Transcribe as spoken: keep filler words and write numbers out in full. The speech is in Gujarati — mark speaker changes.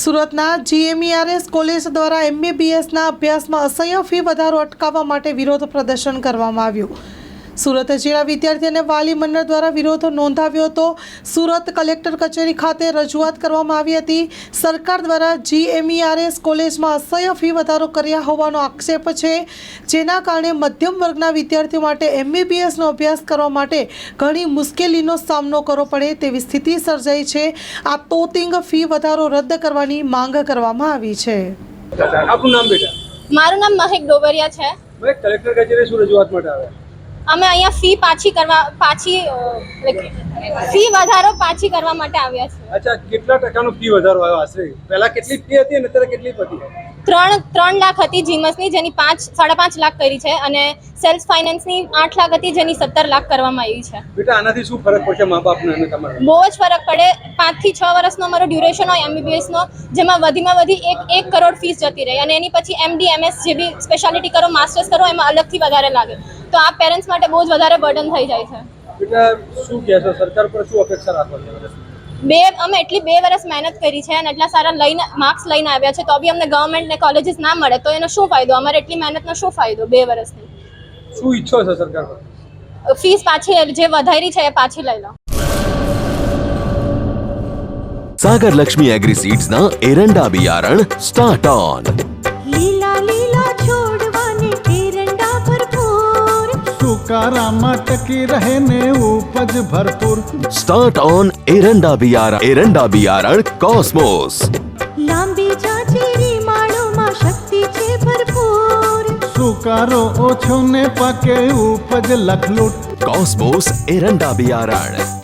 Speaker 1: સુરતના જીએમઈઆરએસ કોલેજ દ્વારા એમબીબીએસના અભ્યાસમાં અસહ્ય ફી વધારો અટકાવવા માટે વિરોધ પ્રદર્શન કરવામાં આવ્યું। સુરત જિલ્લા વિદ્યાર્થી અને વાલી મંડળ દ્વારા વિરોધ નોંધાવ્યો હતો। સુરત કલેક્ટર કચેરી ખાતે રજૂઆત કરવામાં આવી હતી। સરકાર દ્વારા જીએમઈઆરએસ કોલેજમાં અસહ્ય ફી વધારો કર્યા હોવાનો આક્ષેપ છે, જેના કારણે મધ્યમ વર્ગના વિદ્યાર્થીઓ માટે એમબીબીએસનો અભ્યાસ કરવા માટે ઘણી મુશ્કેલીનો સામનો કરવો પડે તેવી સ્થિતિ સર્જાઈ છે। આ તોતિંગ ફી વધારો રદ કરવાની માંગ કરવામાં આવી છે।
Speaker 2: આપનું નામ બેટા?
Speaker 3: મારું નામ મહેક ડોબરિયા છે।
Speaker 2: મેં કલેક્ટર કચેરી શું રજૂઆત માટે આવ્યા?
Speaker 3: અમે અહીંયા ફી પાછી કરવા પાછી ફી વધારો પાછી કરવા માટે આવ્યા છીએ।
Speaker 2: અચ્છા, કેટલા ટકાનો ફી વધારો આવ્યો આશરે? પહેલા કેટલી ફી હતી અને અત્યારે કેટલી હતી?
Speaker 3: ત્રણ ત્રણ લાખ હતી જીમસની, જેની પાંચ સાડા પાંચ લાખ કરી છે, અને સેલ્ફ ફાઇનાન્સની આઠ લાખ હતી, જેની સત્તર લાખ કરવામાં આવી છે।
Speaker 2: બેટા, આનાથી શું ફરક પડશે મા બાપને અને તમારે?
Speaker 3: બહુ જ ફરક પડે। પાંચ થી છ વર્ષનો અમારો ડ્યુરેશન હોય એમબીબીએસનો, જેમાં વધીમાં વધી એક એક કરોડ ફીસ જતી રહી, અને એની પછી એમડી એમએસ જે બી સ્પેશિયાલિટી કરો, માસ્ટર્સ કરો, એમાં અલગથી વધારે લાગે, તો આ પેરેન્ટ્સ માટે બહુ જ વધારે બર્ડન થઈ જાય છે।
Speaker 2: બેટા, શું કહેશો? સરકાર પર શું અપેક્ષા રાખો છો?
Speaker 3: બે અમે એટલી બે વર્ષ મહેનત કરી છે અને એટલા સારા લઈને માર્ક્સ લઈને આવ્યા છે, તો બી અમને ગવર્મેન્ટ ને કોલેજીસ ના મળે તો એનો શું ફાયદો? અમારે એટલી મહેનતનો શું ફાયદો બે વર્ષની?
Speaker 2: શું ઈચ્છો છો સરકાર પર?
Speaker 3: ફીસ પાછી જે વધારી છે એ પાછી લઈ લો।
Speaker 4: सागर लक्ष्मी एग्री सीड्स ना एरंडा बियारण स्टार्ट ऑन।
Speaker 5: લીલા લીલા છોડવાને એરંડા ભરપૂર,
Speaker 6: સુકારામાં ટકી રહે ને ઉપજ ભરપૂર।
Speaker 4: स्टार्ट ऑन एरंडा बियारण एरंડા बियारण कॉस्मोस।
Speaker 5: લાંબી જાચેરી માળોમાં શક્તિ છે ભરપૂર,
Speaker 6: સુકારો ઓછો ને પાકે ઉપજ લખલૂટ।
Speaker 4: कॉस्मोस एरंડા बियारण।